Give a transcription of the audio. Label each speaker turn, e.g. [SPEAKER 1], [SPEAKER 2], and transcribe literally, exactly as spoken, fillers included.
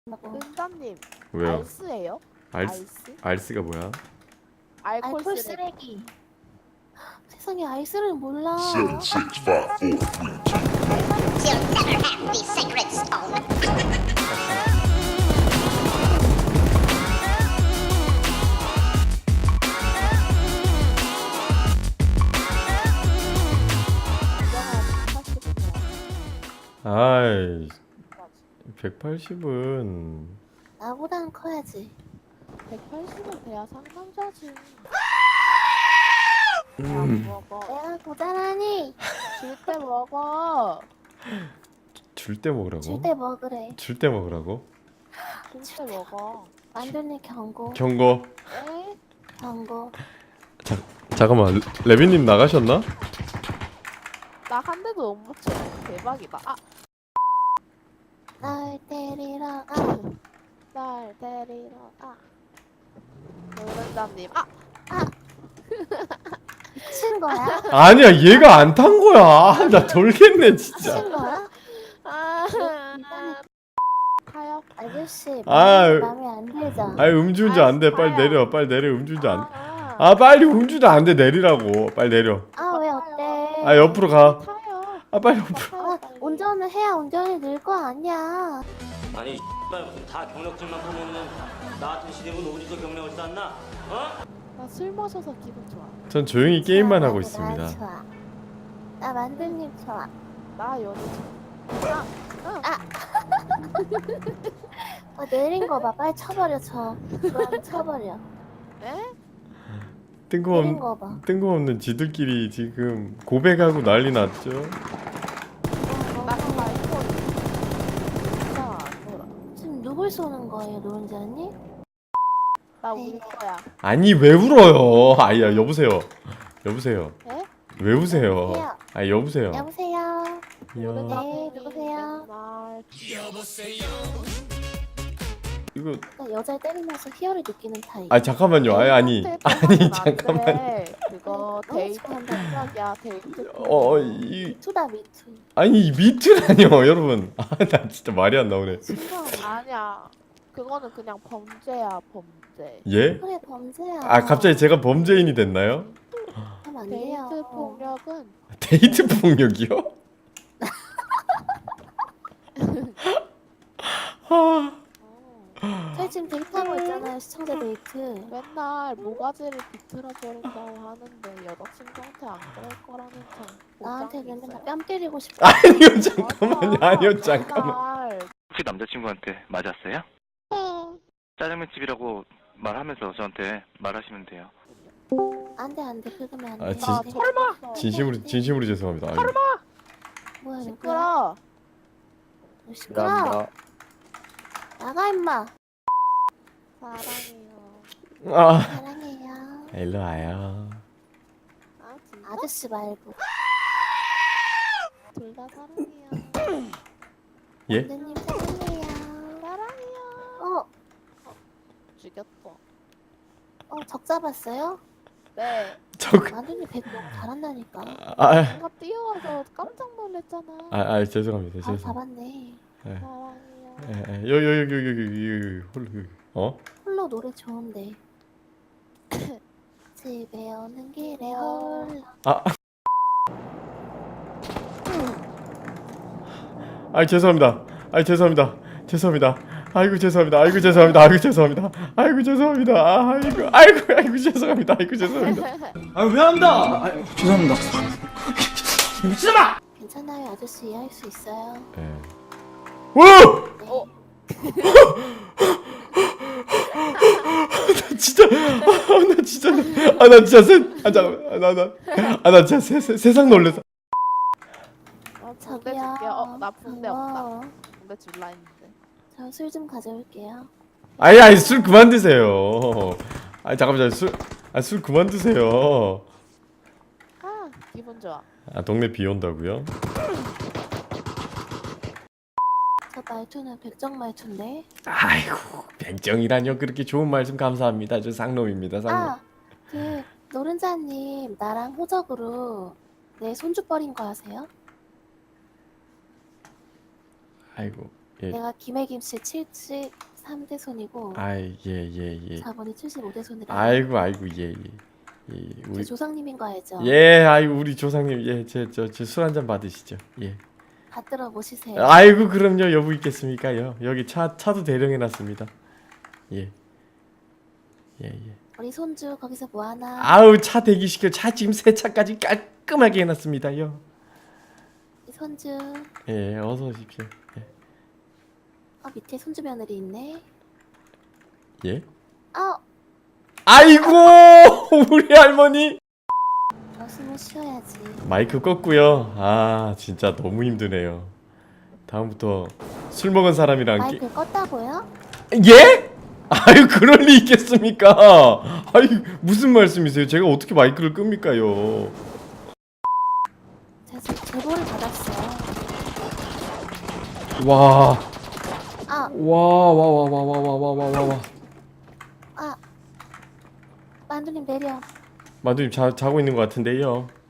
[SPEAKER 1] 은자님,
[SPEAKER 2] 왜요?
[SPEAKER 1] 알스예요?
[SPEAKER 2] 알스?
[SPEAKER 1] 알스?
[SPEAKER 2] 알스가 뭐야?
[SPEAKER 1] 알콜
[SPEAKER 3] 알콜
[SPEAKER 1] 쓰레기.
[SPEAKER 3] 쓰레기. 세상에 알스를 몰라.
[SPEAKER 4] Seven, six, five, four, three, two.
[SPEAKER 5] You'll never have the sacred stone.
[SPEAKER 2] 아이, 백팔십은
[SPEAKER 3] 나보단 커야지.
[SPEAKER 1] 백팔십은 돼야 상남자지.
[SPEAKER 2] 음.
[SPEAKER 1] 먹어.
[SPEAKER 3] 내가 고자라니.
[SPEAKER 1] 줄 때 먹어.
[SPEAKER 2] 줄 때 먹으라고?
[SPEAKER 3] 줄 때 먹으래.
[SPEAKER 2] 줄 때 먹으라고?
[SPEAKER 1] 줄 때 먹어.
[SPEAKER 3] 만두님 경고.
[SPEAKER 2] 경고.
[SPEAKER 1] 에?
[SPEAKER 3] 경고.
[SPEAKER 2] 자, 잠깐만, 레빈님 나가셨나?
[SPEAKER 1] 나 한 대도 못 맞춰. 대박이다. 아,
[SPEAKER 3] 날 때리러 가.
[SPEAKER 1] 날 데리러 가. 노른자님, 아,
[SPEAKER 3] 미친 거야?
[SPEAKER 2] 아니야, 얘가 안 탄 거야. 아, 나 돌겠네, 진짜.
[SPEAKER 3] 미친 거야?
[SPEAKER 1] 아, 가요.
[SPEAKER 3] 아저씨
[SPEAKER 2] 아,
[SPEAKER 3] 마음에 안 들죠?
[SPEAKER 2] 아이, 음주운전 안 돼. 빨리 내려, 빨리 내려, 음주운전 안 돼.
[SPEAKER 1] 아,
[SPEAKER 2] 아, 빨리 음주운전 안 돼, 내리라고. 빨리 내려.
[SPEAKER 3] 아 왜 어때?
[SPEAKER 2] 아, 옆으로 가.
[SPEAKER 1] 타요.
[SPEAKER 2] 아, 빨리 옆으로.
[SPEAKER 3] 아, 운전을 해야 운전이 늘 거 아니야.
[SPEAKER 6] 아니 다 경력증만 보면은 나 같은 시대면 어디서 경력을 쌓나? 어?
[SPEAKER 1] 나 술 마셔서 기분 좋아.
[SPEAKER 2] 전 조용히 게임만
[SPEAKER 3] 좋아,
[SPEAKER 2] 하고
[SPEAKER 3] 나
[SPEAKER 2] 있습니다.
[SPEAKER 3] 좋아. 나 만두님 좋아.
[SPEAKER 1] 나 연애 좋아. 아,
[SPEAKER 3] 어, 내린 거 봐. 빨리 쳐버려 쳐. 좋아하면 쳐버려.
[SPEAKER 1] 에?
[SPEAKER 3] 내린
[SPEAKER 2] 뜬금없는,
[SPEAKER 3] 거 봐.
[SPEAKER 2] 뜬금없는 지들끼리 지금 고백하고 난리 났죠?
[SPEAKER 1] 나 그거 알고 진짜 안 놀아.
[SPEAKER 3] 지금 누굴 쏘는 거예요, 노은자님?
[SPEAKER 1] 나 울 거야.
[SPEAKER 2] 아니, 왜 울어요? 아야, 여보세요. 여보세요.
[SPEAKER 1] 에?
[SPEAKER 2] 왜 우세요?
[SPEAKER 3] 여보세요?
[SPEAKER 2] 아, 여보세요.
[SPEAKER 3] 여보세요?
[SPEAKER 2] 여...
[SPEAKER 3] 네, 누구세요?
[SPEAKER 1] 날
[SPEAKER 2] 이거
[SPEAKER 3] 그러니까 여자를 때리면서 희열을 느끼는 타입.
[SPEAKER 2] 아 잠깐만요. 아니 아니 아니 잠깐만.
[SPEAKER 1] 그거
[SPEAKER 3] 너무
[SPEAKER 1] 데이트
[SPEAKER 3] 좋아한다.
[SPEAKER 1] 생각이야. 데이트.
[SPEAKER 2] 어, 이
[SPEAKER 3] 미투다 미투.
[SPEAKER 2] 아니 이 미트라니요, 여러분. 아, 나 진짜 말이 안 나오네.
[SPEAKER 1] 아니야. 그거는 그냥 범죄야, 범죄.
[SPEAKER 2] 예?
[SPEAKER 3] 그래 범죄야.
[SPEAKER 2] 아, 갑자기 제가 범죄인이 됐나요?
[SPEAKER 3] 하면 안 돼요.
[SPEAKER 1] 데이트 폭력은
[SPEAKER 2] 데이트 폭력이요? 아,
[SPEAKER 1] 어,
[SPEAKER 3] 저희 지금 데이트하고 있잖아요, 시청자 데이트.
[SPEAKER 1] 맨날 모가지를 비틀어 버린다고 하는데 여자친구한테 안 그럴 거라는 점.
[SPEAKER 3] 나한테는 맨날 뺨 때리고 싶어.
[SPEAKER 2] 아니요, 잠깐만요. 아니요, 잠깐만.
[SPEAKER 7] 혹시 남자친구한테 맞았어요? 짜장면집이라고 말하면서 저한테 말하시면 돼요.
[SPEAKER 3] 안돼 안돼 그러면
[SPEAKER 2] 아,
[SPEAKER 3] 안돼.
[SPEAKER 2] 진-
[SPEAKER 1] 설마.
[SPEAKER 2] 진심으로 진심으로 죄송합니다. 아유.
[SPEAKER 3] 뭐야 누구야?
[SPEAKER 1] 시끄러.
[SPEAKER 3] 너 시끄러. 나가 임마.
[SPEAKER 1] 사랑해요.
[SPEAKER 2] 아,
[SPEAKER 3] 사랑해요.
[SPEAKER 2] 일로 와요.
[SPEAKER 1] 아 진짜?
[SPEAKER 3] 아저씨 말고.
[SPEAKER 1] 둘 다 사랑해요.
[SPEAKER 2] 예?
[SPEAKER 3] 만두님 사랑해요.
[SPEAKER 1] 사랑해요.
[SPEAKER 3] 어,
[SPEAKER 1] 죽였어.
[SPEAKER 3] 어, 적 잡았어요?
[SPEAKER 1] 네.
[SPEAKER 2] 저
[SPEAKER 3] 만두님 백 너무 잘한다니까.
[SPEAKER 2] 아,
[SPEAKER 1] 뭔가 뛰어와서 깜짝 놀랐잖아.
[SPEAKER 2] 아, 아, 죄송합니다.
[SPEAKER 3] 아,
[SPEAKER 2] 죄송.
[SPEAKER 3] 잡았네.
[SPEAKER 2] 예.
[SPEAKER 1] 사랑해요.
[SPEAKER 2] 예, 예. 여기 여기 여기 여기 여기 홀로 여기. 어?
[SPEAKER 3] 홀로 노래 좋은데. 집에 오는 길에 홀로.
[SPEAKER 2] 아. 아, 죄송합니다. 아, 죄송합니다. 죄송합니다. 아이고 죄송합니다. 아이고 죄송합니다. 아이고 죄송합니다. 아이고 죄송합니다. 아이고 아이고 아이고 죄송합니다. 아이고 죄송합니다.
[SPEAKER 8] 아 왜 한다? 아, 죄송합니다. 미친놈아!
[SPEAKER 3] 괜찮아요, 아저씨 이해할 수 있어요.
[SPEAKER 2] 예. 와!
[SPEAKER 1] 어?
[SPEAKER 2] 나 진짜 아, 나 진짜 아, 나 진짜 세, 아 잠깐 나나아나 진짜 세, 세, 세상 놀래서.
[SPEAKER 1] 어, 붕대
[SPEAKER 3] 저기요.
[SPEAKER 1] 줄게요. 어, 나 붕대 없다.
[SPEAKER 3] 어,
[SPEAKER 1] 붕대 줄라 했는데.
[SPEAKER 3] 저 술 좀 가져올게요.
[SPEAKER 2] 아니 아니 술 그만 드세요. 아 잠깐만 술아 술 그만 드세요.
[SPEAKER 1] 아, 기분 좋아.
[SPEAKER 2] 아 동네 비 온다고요?
[SPEAKER 3] 저 말투는 백정 말투인데.
[SPEAKER 2] 아이고 백정이라뇨. 그렇게 좋은 말씀 감사합니다. 저 상놈입니다. 상놈.
[SPEAKER 3] 아, 그 노른자님 나랑 호적으로 내 손주 버린 거 아세요?
[SPEAKER 2] 아이고 예.
[SPEAKER 3] 내가 김혜김씨 칠십삼 대 손이고
[SPEAKER 2] 아이 예예 예.
[SPEAKER 3] 사 번이 칠십오 대 손이라.
[SPEAKER 2] 아이고 아이고 예예. 예.
[SPEAKER 3] 제
[SPEAKER 2] 우리
[SPEAKER 3] 조상님인 거 알죠?
[SPEAKER 2] 예 아이고 우리 조상님 예제저술 한 잔 받으시죠. 예.
[SPEAKER 3] 받들어 모시세요.
[SPEAKER 2] 아이고 그럼요 여부 있겠습니까요. 여기 차 차도 대령해 놨습니다. 예. 예 예.
[SPEAKER 3] 우리 손주 거기서 뭐 하나?
[SPEAKER 2] 아우 차 대기시켜 차 지금 세차까지 깔끔하게 해놨습니다요.
[SPEAKER 3] 우리 손주.
[SPEAKER 2] 예 어서 오십시오. 예.
[SPEAKER 3] 어 밑에 손주 며느리 있네.
[SPEAKER 2] 예?
[SPEAKER 3] 어
[SPEAKER 2] 아이고 우리 할머니
[SPEAKER 3] 어, 숨을 쉬어야지.
[SPEAKER 2] 마이크 껐고요. 아 진짜 너무 힘드네요. 다음부터 술 먹은 사람이랑 끼...
[SPEAKER 3] 마이크 껐다고요?
[SPEAKER 2] 예? 아유 그럴 리 있겠습니까? 아유 무슨 말씀이세요? 제가 어떻게 마이크를 끕니까요?
[SPEAKER 3] 제가 제- 제보를 받았어요.
[SPEAKER 2] 와.
[SPEAKER 3] 아,
[SPEAKER 2] 와 와 와 와 와 와 와 와 와.
[SPEAKER 3] 아. 만두님 내려.
[SPEAKER 2] 만두님 자 자고 있는 것 같은데요.